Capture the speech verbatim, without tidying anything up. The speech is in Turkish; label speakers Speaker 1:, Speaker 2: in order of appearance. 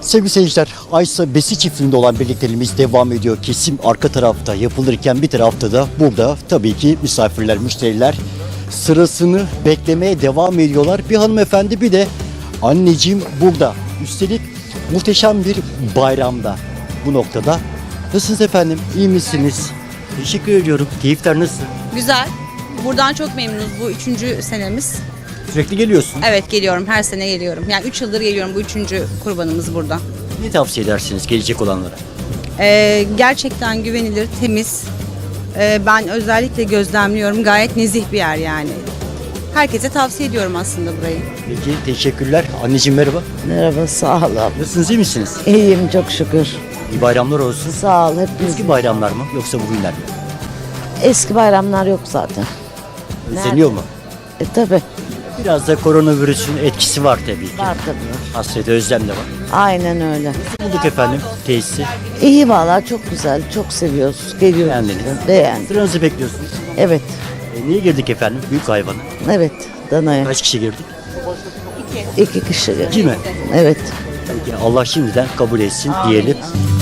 Speaker 1: Sevgili seyirciler, Aysa Besi çiftliğinde olan birlikteliğimiz devam ediyor. Kesim arka tarafta yapılırken bir tarafta da burada tabii ki misafirler, müşteriler sırasını beklemeye devam ediyorlar. Bir hanımefendi bir de anneciğim burada. Üstelik muhteşem bir bayramda bu noktada. Nasılsınız efendim? İyi misiniz? Teşekkür ediyorum. Keyifler nasıl?
Speaker 2: Güzel. Buradan çok memnunuz. Bu üçüncü senemiz.
Speaker 1: Sürekli geliyorsun.
Speaker 2: Evet, geliyorum. Her sene geliyorum. Yani üç yıldır geliyorum. Bu üçüncü kurbanımız burada.
Speaker 1: Ne tavsiye edersiniz gelecek olanlara?
Speaker 2: Ee, gerçekten güvenilir, temiz. Ee, ben özellikle gözlemliyorum. Gayet nezih bir yer yani. Herkese tavsiye ediyorum aslında burayı.
Speaker 1: Peki, teşekkürler. Anneciğim merhaba.
Speaker 3: Merhaba, sağ ol abi.
Speaker 1: Nasılsınız, iyi misiniz?
Speaker 3: İyiyim çok şükür.
Speaker 1: İyi bayramlar olsun.
Speaker 3: Sağ ol hepiniz.
Speaker 1: Eski bayramlar mı yoksa bugünler mi?
Speaker 3: Eski bayramlar yok zaten.
Speaker 1: Özleniyor mu?
Speaker 3: E tabi
Speaker 1: Biraz da koronavirüsün etkisi var tabii ki.
Speaker 3: var tabi.
Speaker 1: Hasret, özlem de var.
Speaker 3: Aynen öyle.
Speaker 1: Nasıl bulduk efendim tesisi?
Speaker 3: İyi valla çok güzel. Çok seviyoruz. Geliyoruz.
Speaker 1: Beğendiniz.
Speaker 3: Beğendim.
Speaker 1: Sıranızı bekliyorsunuz.
Speaker 3: Evet.
Speaker 1: E, niye girdik efendim? Büyük hayvanı.
Speaker 3: Evet. Danaya.
Speaker 1: Kaç kişi girdik?
Speaker 3: İki kişi.
Speaker 1: İki mi?
Speaker 3: Evet.
Speaker 1: Peki Allah şimdiden kabul etsin diyelim.